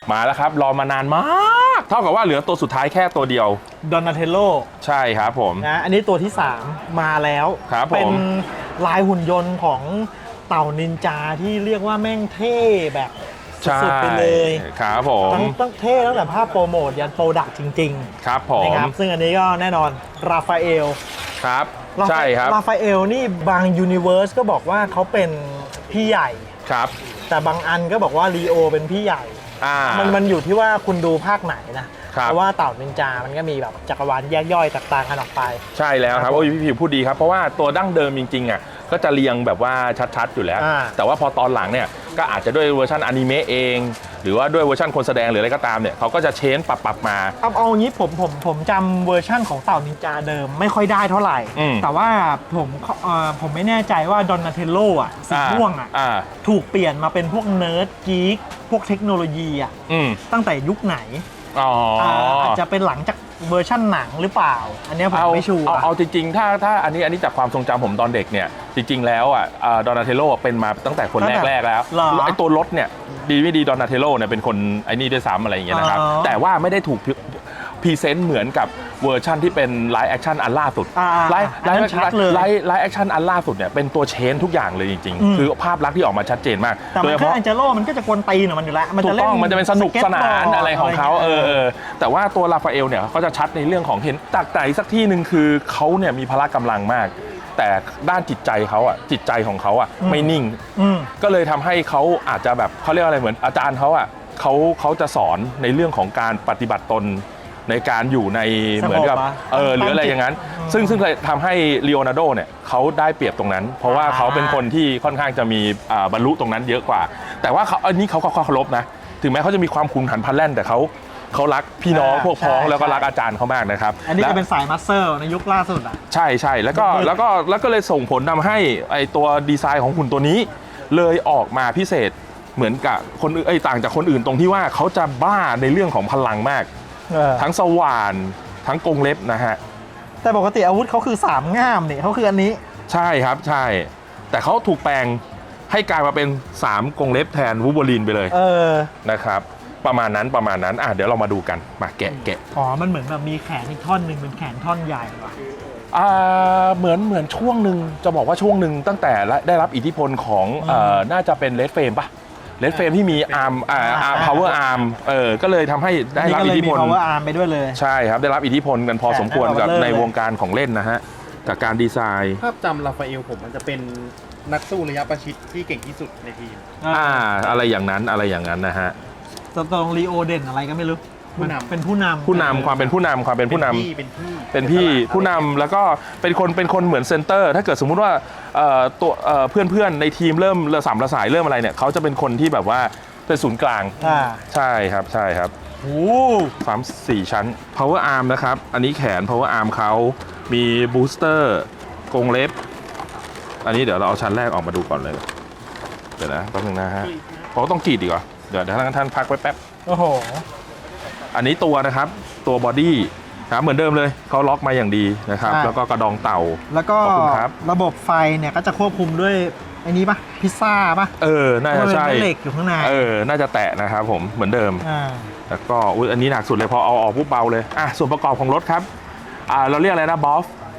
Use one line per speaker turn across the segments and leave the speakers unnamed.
มาแล้วครับรอมานานมากเท่ากับว่าเหลือตัวสุดท้ายแค่ตัวเดียว
ดอนนาเทโล
ใช่ครับผม
นะอันนี้ตัวที่ 3 มาแล้ว
ครับผม
เป็นลายหุ่นยนต์ของเต่านินจาที่เรียกว่าแม่งเท่แบบสุดๆไปเลย
ครับผม
ต้องเท่ตั้งแต่ภาพโปรโมทยันโปรดักต์จริง
ๆครับผม
นะครับซึ่งอันนี้ก็แน่นอนราฟาเอล
ครับใช่ครับ
ราฟาเอลนี่บางยูนิเวอร์สก็บอกว่าเขาเป็นพี่ใหญ่
ครับ
แต่บางอันก็บอกว่าลีโอเป็นพี่ใหญ่มันอยู่ที่ว่าคุณดูภาคไหนนะเพราะว่าเต่านินจามันก็มีแบบจักรวาลแยกย่อยต่างๆกันออกไป
ใช่แล้วครับโอ้ยพี่ผิวพูดดีครับเพราะว่าตัวดั้งเดิมจริงๆอ่ะก็จะเรียงแบบว่าชัดๆอยู่แล้วแต่ว่าพอตอนหลังเนี่ยก็อาจจะด้วยเวอร์ชันอนิเมะเองหรือว่าด้วยเวอร์ชันคนแสดงหรืออะไรก็ตามเนี่ยเขาก็จะเชนปรับมา
เอางี้ผมจำเวอร์ชั่นของเต่านินจาเดิมไม่ค่อยได้เท่าไหร่แต่ว่าผมไม่แน่ใจว่าดอนนาเทโลอ่ะสีม่วงอ่ะถูกเปลี่ยนมาเป็นพวกเนิร์ดกี๊กพวกเทคโนโลยีอ่ะตั้งแต่ยุคไหนอาจจะเป็นหลังจากเวอร์ชั่นหนังหรือเปล่าอันนี้ผมไม่ชัวร์
เอาจริงๆถ้าอันนี้จากความทรงจำผมตอนเด็กเนี่ยจริงๆแล้วอ่ะดอนนาเทโลเป็นมาตั้งแต่คนแรกแล้วไอ้ตัวรถเนี่ยดีไม่ดีดอนนาเทโลเนี่ยเป็นคนไอ้นี่ด้วยซ้ำอะไรอย่างเงี้ยนะครับแต่ว่าไม่ได้ถูกพรีเซนต์เหมือนกับเวอร์ชั่นที่เป็นไลฟ์แอคชั่นอันล่าสุดไลฟ์แอคชั่นอันล่าสุดเนี่ยเป็นตัวเชนทุกอย่างเลยจริงๆคือภาพลักษณ์ที่ออกมาชัดเจนมาก
แต่แค่อันเจโร่มันก็จะกวนตีนของมันอยู่แล้ว
ถูกต้องมันจะเป็นสนุกสนานอะไรของเขาแต่ว่าตัวราฟาเอลเนี่ยเขาจะชัดในเรื่องของเห็นจากไหนสักที่หนึ่งคือเขาเนี่ยมีพละกำลังมากแต่ด้านจิตใจเขาอ่ะจิตใจของเขาอ่ะไม่นิ่งก็เลยทำให้เขาอาจจะแบบเขาเรียกอะไรเหมือนอาจารย์เขาอ่ะเขาจะสอนในเรื่องของการปฏิบัติตนในการอยู่ในเหมือนกับหรืออะไรอย่างนั้นซึ่งเลยทำให้ลีโอนาร์โดเนี่ยเขาได้เปรียบตรงนั้นเพราะว่าเขาเป็นคนที่ค่อนข้างจะมีบรรลุตรงนั้นเยอะกว่าแต่ว่าอันนี้เขาเคารพนะถึงแม้เขาจะมีความขุนขันพลันแล่นแต่เขารักพี่น้องพวกพ้องแล้วก็รักอาจารย์เขามากนะครับ
อันนี้จะเป็นสายมัสเซอร์ในยุคล่าสุดอ่ะ
ใช่แล้วก็เลยส่งผลทำให้ไอตัวดีไซน์ของหุ่นตัวนี้เลยออกมาพิเศษเหมือนกับคนอื่นต่างจากคนอื่นตรงที่ว่าเขาจะบ้าในเรื่องของพลังมากทั้งสว่านทั้งกรงเล็บนะฮะ
แต่ปกติอาวุธเขาคือ3ง่ามนี่เขาคืออันนี้
ใช่ครับใช่แต่เขาถูกแปลงให้กลายมาเป็น3กรงเล็บแทนวูล์ฟเวอรีนไปเลยนะครับประมาณนั้นเดี๋ยวเรามาดูกันมาแกะ
อ๋อมันเหมือนแบบมีแขนอีกท่อนหนึ่งเป็นแขนท่อนใหญ่ว่ะ
เหมือนช่วงหนึ่งจะบอกว่าช่วงหนึ่งตั้งแต่ได้รับอิทธิพลของน่าจะเป็นเลดเฟรมป่ะเลดเฟรมที่มีอาร์มพาวเวอร์อาร์มก็เลยทำให้ได้รับอิทธิพล
power arm ไปด้วยเลย
ใช่ครับได้รับอิทธิพลกันพอสมควรกับในวงการของเล่นนะฮะกับการดีไซน์
ภาพจำราฟาเอลผมมันจะเป็นนักสู้ระยะประชิดที่เก่งที่สุดในทีม
อะไรอย่างนั้นนะฮะ
ตรงลีโอเด่นอะไรก็ไม่รู้เป็นผู้น
ำความเป็นผู้นำเป็นพี่ผู้นำแล้วก็เป็นคนเหมือนเซนเตอร์ถ้าเกิดสมมุติว่าตัวเพื่อนในทีมเริ่มระสำระสายเริ่มอะไรเนี่ยเขาจะเป็นคนที่แบบว่าเป็นศูนย์กลางใช่ครับ
โอ้
ความ4 ชั้น power arm นะครับอันนี้แขน power arm เขามี booster กรงเล็บอันนี้เดี๋ยวเราเอาชั้นแรกออกมาดูก่อนเลยเดี๋ยวนะแป๊บนึงนะฮะเขาต้องกรีดดีกว่าเดี๋ยวท่านพักไว้แป๊บ
โอ้โห
อันนี้ตัวนะครับตัวบอดี้ครับเหมือนเดิมเลยเขาล็อกมาอย่างดีนะครับแล้วก็กระดองเต่า
แล้วก็ระบบไฟเนี่ยก็จะควบคุมด้วยไอ้นี้ป่ะพิซซ่าป่ะ
น่าจะใช่
เหล็กอยู่ข้างใน
น่าจะแตะนะครับผมเหมือนเดิมแล้วก็อันนี้หนักสุดเลยพอเอาออกปุ๊บเบาเลยส่วนประกอบของรถครับเราเรียกอะไรนะบั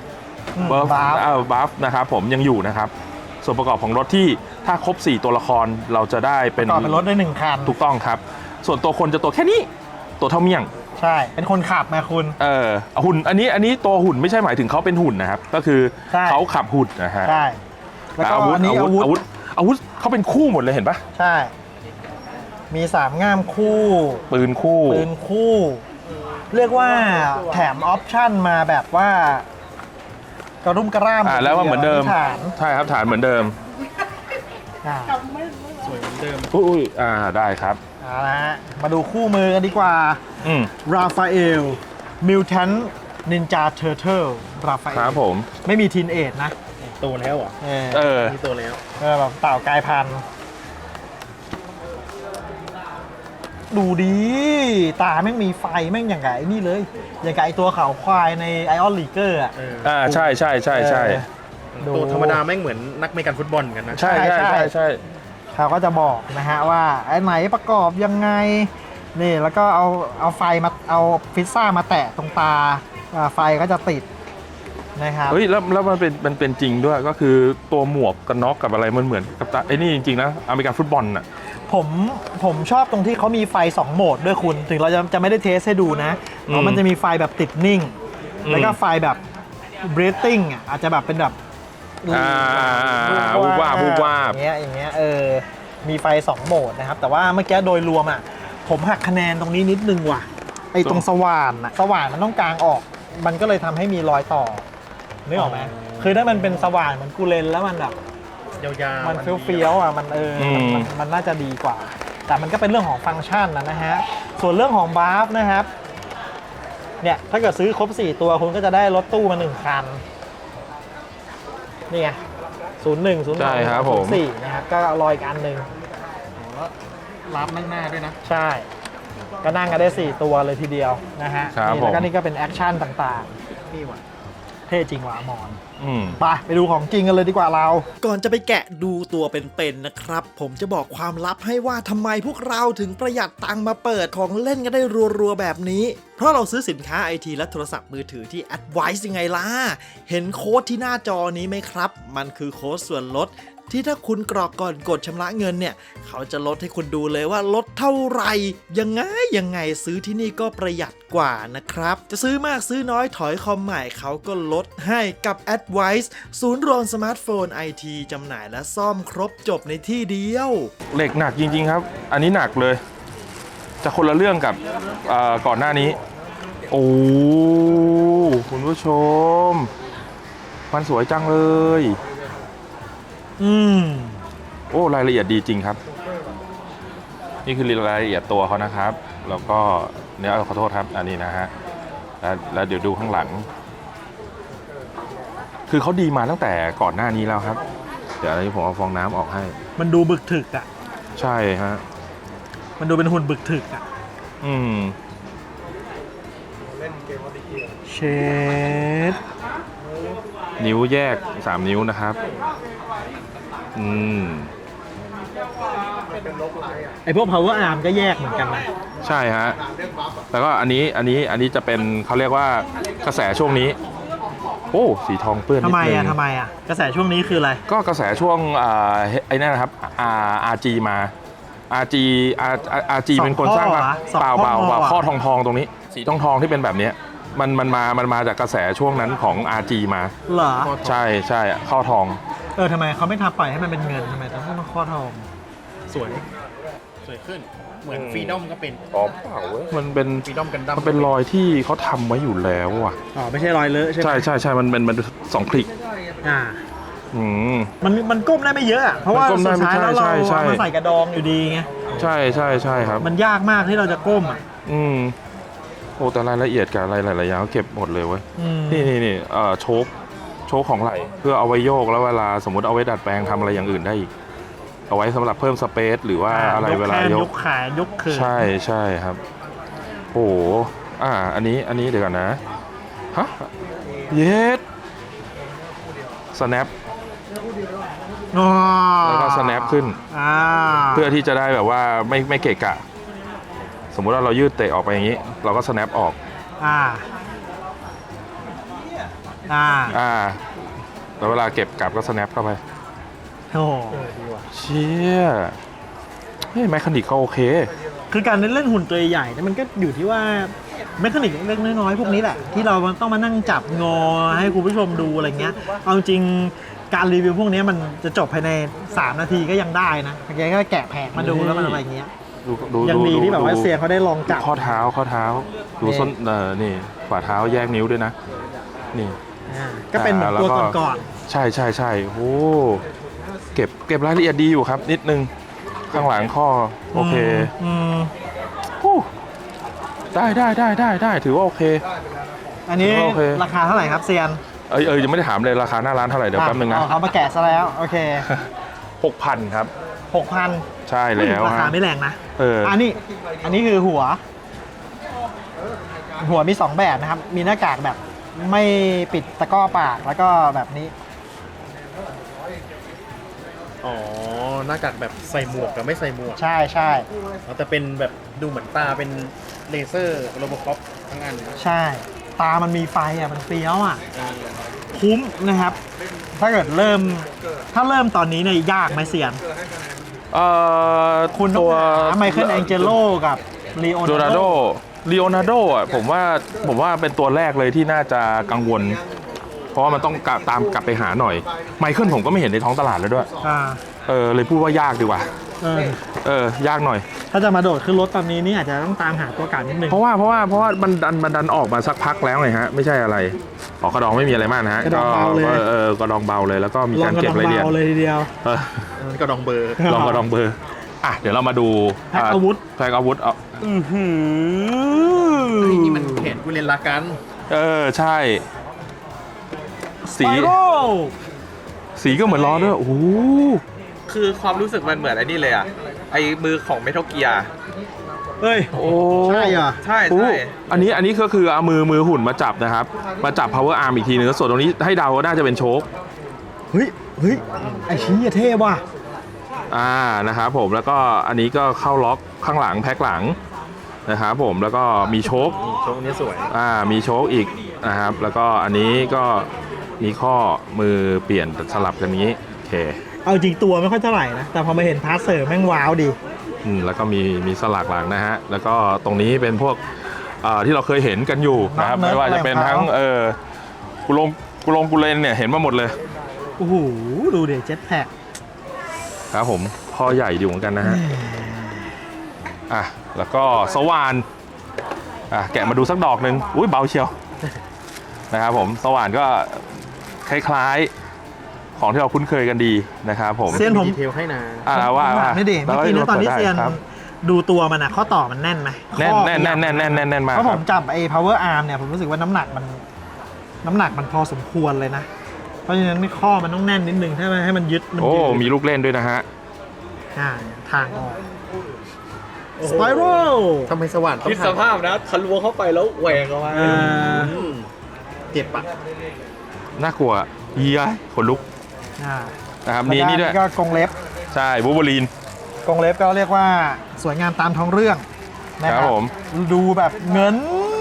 ฟนะครับผมยังอยู่นะครับส่วนประกอบของรถที่ถ้าครบ4ตัวละครเราจะได้เป็น
รถได้1คัน
ถูกต้องครับส่วนตัวคนจะตัวแค่นี้ตัวเท่าเมี่ยง
ใช่เป็นคนขับมาคุณ
หุ่นอันนี้ตัวหุ่นไม่ใช่หมายถึงเขาเป็นหุ่นนะครับก็คือเขาขับหุ่นนะฮะ
ใช่แล้วก็อา
วุธเขาเป็นคู่หมดเลยเห็นปะ
ใช่มี3ง่ามคู่
ปืนคู่
เรียกว่าแถมออปชั่นมาแบบว่ากระรุ่มกระร่าม
แล้วว่าเหมือนเดิมใช่ครับฐานเหมือนเดิม
สวยเหมือนเดิม
ได้ครับ
เอาละมาดูคู่มือกันดีกว่าราฟาเอลมิวแทนนินจาเทอร์เทิลราฟาเอล
ครับผม
ไม่มีทีนเอจนะ
โตแล้วอ่ะมีโตแล้ว
แบบเต่ากายพันธุ์ดูดีตาแม่งมีไฟแม่งอย่างไงนี่เลยอย่างไงตัวขาวควายในไอออนลีเกอร์
ใช่
ตัวธรรมดาแม่งเหมือนนักเมกันฟุตบอลกันนะ
ใช่
เขาก็จะบอกนะฮะว่าไอ้ไหนประกอบยังไงนี่แล้วก็เอาไฟมาเอาฟิซซ่ามาแตะตรงตาไฟก็จะติดนะครับ
เฮ้ยแล้วมันเป็นจริงด้วยก็คือตัวหมวกกันน็อกกับอะไรมันเหมือนกับไอ้นี่จริงๆนะอเมริกันฟุตบอลน่ะ
ผมชอบตรงที่เขามีไฟ2โหมดด้วยคุณถึงเราจะไม่ได้เทสให้ดูนะมันจะมีไฟแบบติดนิ่งแล้วก็ไฟแบบ breathing อ่ะอาจจะแบบเป็นแบบ
วูบวาบ
อย่างเงี้ยมีไฟ2โหมดนะครับแต่ว่าเมื่อกี้โดยรวมอ่ะผมหักคะแนนตรงนี้นิดนึงว่ะไอ้ตรงสว่านมันต้องกางออกมันก็เลยทำให้มีรอยต่อนึกออกไหมคือถ้ามันเป็นสว่านเหมือนกูเลนแล้วมันแบบ
ยาวๆ
มันเฟี้ยวๆอ่ะมันน่าจะดีกว่าแต่มันก็เป็นเรื่องของฟังก์ชันนะฮะส่วนเรื่องของบาร์ฟนะครับเนี่ยถ้าเกิดซื้อครบ4ตัวคุณก็จะได้รถตู้มา1คันนี่ไง01 02 04นะครับก็รออีกอันหนึ่ง
รับนั่งหน้าด้วยนะ
ใช่ก็นั่งกันได้4ตัวเลยทีเดียวนะฮะแล้วก็นี่ก็เป็นแอคชั่นต่างๆนี่ว่ะเท่จริงว่ะอมรไปดูของจริงกันเลยดีกว่าเราก่อนจะไปแกะดูตัวเป็นๆนะครับผมจะบอกความลับให้ว่าทำไมพวกเราถึงประหยัดตังค์มาเปิดของเล่นกันได้รัวๆแบบนี้เพราะเราซื้อสินค้าไอทีและโทรศัพท์มือถือที่ Advice ยังไงล่ะเห็นโค้ดที่หน้าจอนี้ไหมครับมันคือโค้ดส่วนลดที่ถ้าคุณกรอกก่อนกดชำระเงินเนี่ยเขาจะลดให้คุณดูเลยว่าลดเท่าไหร่ยังไงซื้อที่นี่ก็ประหยัดกว่านะครับจะซื้อมากซื้อน้อยถอยคอมใหม่เขาก็ลดให้กับ Advice ศูนย์รวมสมาร์ทโฟนไอทีจำหน่ายและซ่อมครบจบในที่เดียว
เหล็กหนักจริงๆครับอันนี้หนักเลยจะคนละเรื่องกับก่อนหน้านี้โอ้คุณผู้ชมมันสวยจังเลยโอ้รายละเอียดดีจริงครับนี่คือรายละเอียดตัวเขานะครับแล้วก็เนี่ยขอโทษครับอันนี้นะฮะแล้วเดี๋ยวดูข้างหลังคือเขาดีมาตั้งแต่ก่อนหน้านี้แล้วครับเดี๋ยวอันนี้ผมเอาฟองน้ำออกให้
มันดูบึกถึกอ่ะ
ใช่ฮะ
มันดูเป็นหุ่นบึกถึกอ่ะเชด
นิ้วแยก3นิ้วนะครับ
ไอพวก power arm ก็แยกเหมือนกันนะ
ใช่ฮะแล้วก็อันนี้จะเป็นเขาเรียกว่ากระแสช่วงนี้โอ้สีทองเปื้อน
ทำไมอ่ะกระแสช่วงนี้คืออะไร
ก็กระแสช่วงไอ้นั่นนะครับRG มา RG เป็นคนสร้างเปล่าข้อทองตรงนี้สีทองที่เป็นแบบนี้มันมาจากกระแสช่วงนั้นของ RG มา
เหรอ
ใช่ข้อทอง
ทำไมเขาไม่ทำปล่อยให้มันเป็นเงินทำไมต้องมาข้อทอง
สวยขึ้นเหมือนฟรีดอมก็เป็น
เปล่าเว้ยมันเป็นฟรีดอมกันดั้มมันเป็นรอยที่เขาทำไว้อยู่แล้วอ่ะ
ไม่ใช่รอยเลอะใช่ไหม
ใช่มัน2 คลิก
มันก้มได้ไม่เยอะอ่ะเพราะว่าสุดท้ายแล้วเราเอามาใส่กระดองอยู่ดีไง
ใช่ครับ
มันยากมากที่เราจะก้มอ่ะ
โอ้แต่รายละเอียดกับอะไรหลายๆอย่างเก็บหมดเลยเว้ยนี่โชคของไหล่เพื่อเอาไว้โยกแล้วเวลาสมมติเอาไว้ดัดแปลงทำอะไรอย่างอื่นได้อีกเอาไว้สำหรับเพิ่มสเปซหรือว่าอะไรเวลาย
กขายกเขิน
ใช่ครับโอ้อันนี้เดี๋ยวก่อนนะฮะเย็ดsnap แล้วก็ snap ขึ้นเพื่อที่จะได้แบบว่าไม่เกะกะสมมุติว่าเรายืดเตะออกไปอย่างนี้เราก็ snap ออกแล้วเวลาเก็บกลับก็ snap เข้าไป
ดีว่ะ
เชี่ยแมคคานิกเขาโอเค
คือการเล่นหุ่นตัวใหญ่เนี่ยมันก็อยู่ที่ว่าแมคคานิกเล็กน้อยพวกนี้แหละที่เราต้องมานั่งจับงอให้คุณผู้ชมดูอะไรเงี้ยเอาจริงการรีวิวพวกนี้มันจะจบภายใน3 นาทีก็ยังได้นะแกก็แกะแผงมาดูแล้วมันอะไรเงี้ยยังดีที่แบบว่าเซียเขาได้ลองจับ
ข้อเท้าดูส้นนี่ฝ่าเท้าแยกนิ้วด้วยนะนี่
ก็เป็นเหมือนตัวก่อน
ใช่โอ้เก็บรายละเอียดดีอยู่ครับนิดนึงข้างหลังข้อโอเคได้ถือว่าโอเค
อันนี้ราคาเท่าไหร่ครับเซียน
ยังไม่ได้ถามเลยราคาหน้าร้านเท่าไหร่เดี๋ยวแป๊บนึงนะ
เขามาแกะซะแล้วโอเค
6,000 ครับ
6,000
ใช่แล้ว
ราคาไม่แรงนะอันนี้คือหัวมี2แบบนะครับมีหน้ากากแบบไม่ปิดตะก้อปากแล้วก็แบบนี้
อ๋อหน้ากากแบบใส่หมวกกับไม่ใส่หมวก
ใช่ใช่
แต่เป็นแบบดูเหมือนตาเป็นเลเซอร์โรบอคอปทั้งอัน
ใช่ ตามันมีไฟอ่ะมันเฟี้ยวอ่ะคุ้มนะครับ ถ้าเกิดเริ่มตอนนี้เนี่ยยากไหมเซียน คุณต้องหาไมเคิลแองเจโลกับลีโอ
โดนาโดอ่ะผมว่าเป็นตัวแรกเลยที่น่าจะกังวล เพราะว่ามันต้องตามกลับไปหาหน่อยไมเคิลผมก็ไม่เห็นในท้องตลาดแล้วด้วย เลยพูดว่ายากดีกว่า ยากหน่อย
ถ้าจะมาโดดขึ้นรถตอนนี้นี่อาจจะต้องตามหาตัวการนิดนึง
เพราะว่ามันดันออกมาสักพักแล้วไงฮะไม่ใช่อะไรกระดองไม่มีอะไรมากนะฮะ
กระดองเบาเลย
กระดองเบาเลยแล้วก็มีการเก็บรายละเอียด
ลองกระดองเบาเลยทีเดียว
กระดองเบอร์
ลองกระดองเบอร์อ่ะเดี๋ยวเรามาดู
แพ็คอาวุธ
แพ็คอาวุธ
นี่มันแขนกูเรียนละกัน
ใช่สีก็เหมือนล้อด้วยโอ้โห
คือความรู้สึกมันเหมือนไอ้นี่เลยอ่ะ ไอ้มือของเมทัลเกียร์
เฮ้ย
โอ้
ใช่เหรอ
ใช่
โอ้
ใช่
อันนี้ก็คือเอามือหุ่นมาจับนะครับมาจับ power arm อีกทีนึงส่วนตรงนี้ให้เดาว่าน่าจะเป็นโชค
เฮ้ยไอชี้เท่ว่ะ
นะครับผมแล้วก็อันนี้ก็เข้าล็อกข้างหลังแพ็คหลังนะครับผมแล้วก็มีโชค
โชคนี้สวย
มีโชคอีกนะครับแล้วก็อันนี้ก็มีข้อมือเปลี่ยนสลับกันนี้โอเค
เอาจริงตัวไม่ค่อยเท่าไหร่นะ แต่พอมาเห็นพาร์ทเสริมแม่งว้าวดี
แล้วก็มีสลักหลังนะฮะแล้วก็ตรงนี้เป็นพวกที่เราเคยเห็นกันอยู่นะครับไม่ว่าจะเป็นทั้งกุเลนเนี่ยเห็นมาหมดเลย
โอ้โห ดูเดี๋ยวเจ็ตแพ็ค
ครับผมพ่อใหญ่อยู่เหมือนกันนะฮะแล้วก็สว่านแกะมาดูสักดอกหนึ่งอุ้ยเบาเชียวนะครับผมสว่านก็คล้ายๆของที่เราคุ้นเคยกันดีนะครับผม
เซียนผม
ดีเทลให้นะ
ว่า
ไม่ดีเมื่อกี้นะตอนที่เซียนดูตัวมันอะข้อต่อมันแน่นไหม
แน่นมาก
เพราะ
ค
ผ
รับ
มจับไอ้ power arm เนี่ยผมรู้สึกว่าน้ำหนักมันพอสมควรเลยนะ เพราะฉะนั้นข้อมันต้องแน่นนิดนึงให้มันยึดมัน
โอ้
ยืด
มีลูกเล่นด้วยนะฮะ
ทางออก Spiral
ทำไมสว่านต้อ
คิด
ง
สภาพนะทะลวงเข้าไปแล้วแหวกออกมา
เจ็บปะ
น่ากลัวเฮียขนลุกนะครับมีนี่ด้วย
ก็กรงเล็บ
ใช่บูเบอรีน
กรงเล็บก็เรียกว่าสวยงามตามท้องเรื่องนะครับ
ผม
ดูแบบเงิน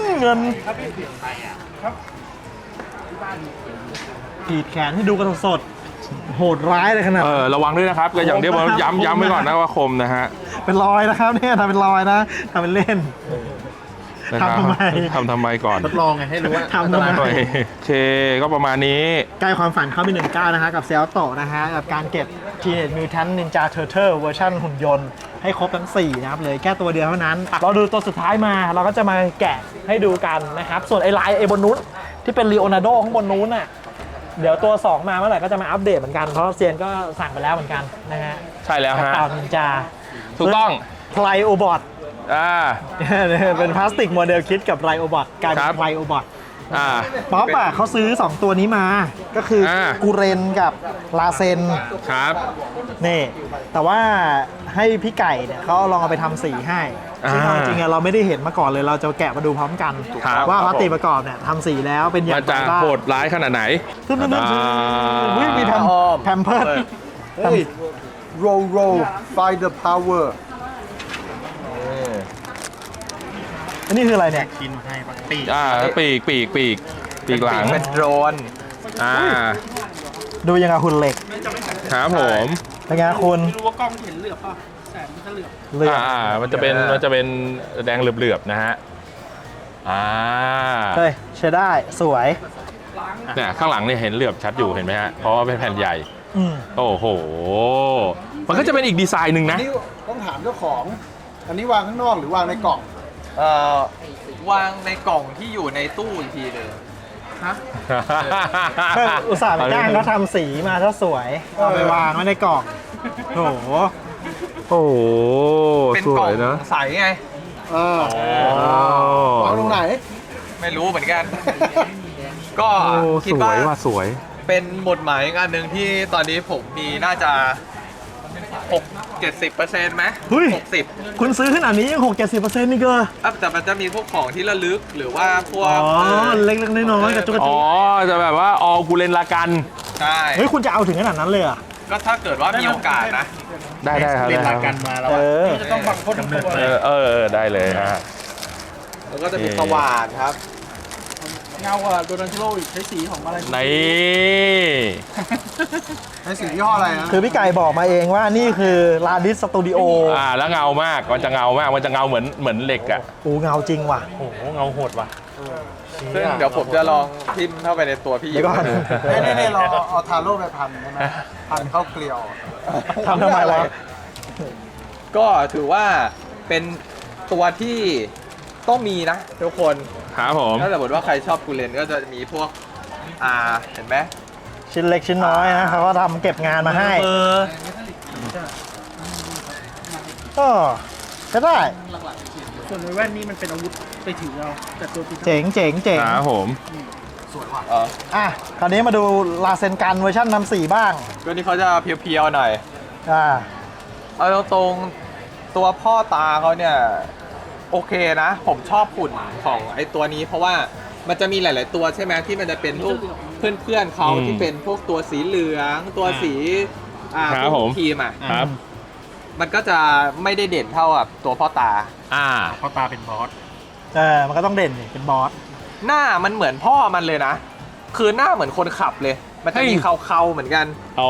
กรีดแขนให้ดูกันสดๆโหดร้ายเลยขนาด
ระวังด้วยนะครับก็อย่างที่ผมย้ำไว้ก่อนนะว่าคมนะฮะ
เป็นรอยนะครับเนี่ยทำเป็นรอยนะทำเป็นเล่น
นะครับ ทำไมก่อน
ทดลองไงให้รู้ว่า
ทำทำไม
โอเคก็ประมาณนี้
ใกล้ความฝันเข้าไป19นะฮะกับเซลโตนะฮะกับการเก็บ Teenage Mutant Ninja Turtle เวอร์ชันหุ่นยนต์ให้ครบทั้ง 4 นะครับเลยแค่ตัวเดียวเท่านั้นเราดูตัวสุดท้ายมาเราก็จะมาแกะให้ดูกันนะครับ ส่วนไอ้ลายบนนู้นที่เป็นลีโอนาร์โดข้างบนนู้นน่ะเดี๋ยวตัว 2 มาเมื่อไหร่ก็จะมาอัปเดตเหมือนกันเพราะเซียนก็สั่งไปแล้วเหมือนกันนะฮะ
ใช่แล้วฮะ
เต่านินจา
ถูกต้อง
ไพลโอบอท เป็นพลาสติกโมเดลคิดกับไพลโอบอทกลายเป็
ครั
น
บ
ไพลโอบอท
ป๊
ป๊อปเขาซื้อ 2 ตัวนี้มา ก็คือกูเรนกับลาเซน
ครับ
นี่ แต่ว่าให้พี่ไก่เนี่ยเขาลองเอาไปทำสีให้ซึ่งเอาจริงๆเราไม่ได้เห็นมาก่อนเลยเราจะแกะมาดูพร้อมกัน
ครับ
ว่าพลาสติกประกอบเนี่ยทำสีแล้วเป็นอย่าง
มัน
ไร
จะ
บ้าง
โหดร้ายขนาดไหน
ตึ้งมีแพมเพิร์ด
roll find the power
อันนี้คืออะไรเนี่ย
กินให้ปะปีก
ปีกหลัง
เป็นโดรน
ดูยังไงหุ่นเหล็ก
ครับผม
เป็นไงคุณไม่รู้ว่ากล้องเห็นเหลือบป่ะแสงมันจะเหลือบ
มันจะเป็นแดงเหลือบๆนะฮะ
เฮ้ยใช้ได้สวย
เนี่ยข้างหลังเนี่ยเห็นเหลือบชัดอยู่เห็นไหมฮะเพราะว่าเป็นแผ่นใหญ่โอ้โหมันก็จะเป็นอีกดีไซน์หนึ่งนะ
นี่ต้องถามเจ้าของ อันนี้วางข้างนอกหรือวางในกล่อง
วางในกล่องที่อยู่ในตู้อีกทีเลย
อุตส่าห์ไปจ้างเขาทำสีมาถ้าสวยเอาไปวางไว้ในกล่องโอ้โห
โอ้โห
เป็น
ส
กล่
ว
อง
ยนะ
ใสไง
วางตรงไหน
ไม่รู้เหมือนกัน ก็
โอ้
คิด
สว
ว่าย
ว่าสวย
เป็นหมุดหมายอีกอันหนึ่งที่ตอนนี้ผมมีน่าจะ 70%ไหม
เฮ้ย
60
คุณซื้อขนาดนี้ยัง 6-70%นี่ก็
แต่มันจะมีพวกของที่ระลึกหรือว่าพวก
เล็กๆน้อยๆกระจุกกระ
อ๋
จิ
อ
ก
จะแบบว่าออกูเลนลากัน
ใช่
เฮ้ยคุณจะเอาถึงขนาดนั้นเลยเหรอ่ะ
ก็ถ้าเกิดว่ามีโอกาสนะ
ได้ครับ
เรียนหลัก
ได้ค
กั
รับ
นมาแล้ว
เอ
อะ
อ
จะต้องบังพ่นตัว
ได้เลยฮะ
แล้วก็จะมีสว่านครับ
เงากว่าโดนันทิโลอีกใช้สีของอะไร
ใน
ใช้สียี่ห้ออะไรนะ
คือพี่ไก่บอกมาเองว่านี่คือลาดิสสตูดิโอ
แล้วเงามากมันจะเงามากมันจะเงาเหมือนเหล็กอ่ะ
โอ้เงาจริงว่ะ
โอ้โหเงาโหดว่ะ
ซึ่งเดี๋ยวผมจะลองทิมเข้าไปในตัวพี่
เดี๋ยวก่อน
นี่เราเอาทาโร่ไปพันใช่ไหมพันเข้าเกลียว
ทำทำไมวะ
ก็ถือว่าเป็นตัวที่ต้องมีนะทุกคน
ครับผม
ถ้าสมมติว่าใครชอบกูเลนก็จะมีพวกเห็นไหม
ชิ้นเล็กชิ้นน้อยนะเขาก็ทำเก็บงานมาให้ ก็ได้
ส่วนในแว่นนี่มันเป็นอาวุธไปถือเอาแต่ตัวตี
เจ๋งเจ๋งเจ๋ง
ครับผม
อ่ะคราวนี้มาดูลาเซนกันเวอร์ชันนำสีบ้าง
ตัวนี้เขาจะเพียวๆหน่อย เอาตรงๆตัวพ่อตาเขาเนี่ยโอเคนะ ผมชอบหุ่นของไอ้ตัวนี้ เพราะว่ามันจะมีหลาย ๆ ตัวใช่ไหมที่มันจะเป็นพวกเพื่อนๆเขาที่เป็นพวกตัวสีเหลืองตัวสี
ครับผม
ทีมอ่ะ
ครับ
มันก็จะไม่ได้เด่นเท่ากับตัวพ่อตา
พ่อตาเป็นบอส
มันก็ต้องเด่นดิเป็นบอส
หน้ามันเหมือนพ่อมันเลยนะ คือหน้าเหมือนคนขับเลย มันจะมีเขาๆเหมือนกัน
อ๋อ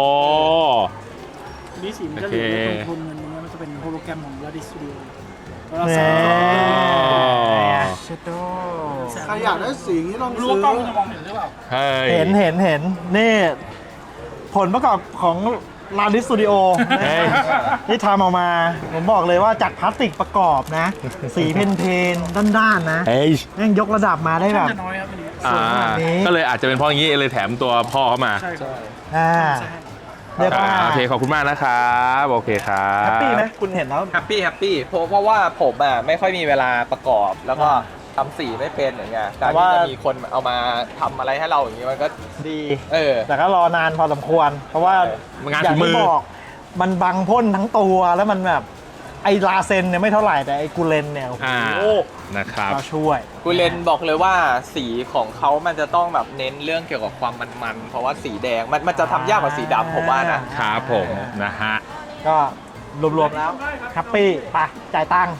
นี่สีมันจะเหลืองโทนเงินนี้มันจะเป็นโฮโลแกรมของลาดิสตูดิโอ
เชโต
ใครอยากได้สีนี้ลองซื้อกล้องจะมองเห็นหรือเปล่า
เห็นนี่ผลประกอบของลาดิสตูดิโอที่ทำออกมา ผมบอกเลยว่าจากพลาสติกประกอบนะ สีเพนๆด้านๆนะแม่งยกระดับมาได้แบบ
จะน้อยครับอันนี้
สวยขนาดนี้
ก็เลยอาจจะเป็นเพราะอย่างนี้เลยแถมตัวพ่อเข้ามา
ใช่ครับ
เรียกว่า
โอเคขอบคุณมากนะครับโอเคครับ
แฮปปี้ไหมคุณเห็นแล้ว
แฮปปี้เพราะว่าผมไม่ค่อยมีเวลาประกอบ แล้วก็ทำสีไม่เป็นอย่างเงี้ยการที่จะมีคนเอามาทำอะไรให้เราอย่างงี้มันก็
ดี
แต่
ก็รอนานพอสมควร เพราะว่า
งาน
อย่า
ฝี
ง
มื
ที่
อ
บอกมันบังพ่นทั้งตัวแล้วมันแบบไอ้ลาเซนเนี่ยไม่เท่าไหร่แต่ไอ้กูเลนเนี่ยโอ้โห
นะครับ
ก็ช่วย
กูเลนบอกเลยว่าสีของเขามันจะต้องแบบเน้นเรื่องเกี่ยวกับความมันๆเพราะว่าสีแดงมันจะทำยากกว่าสีดำผมว่านะครับ
ผมนะฮะ
ก็รวมๆแล้วแฮปปี้ไปจ่ายตังค์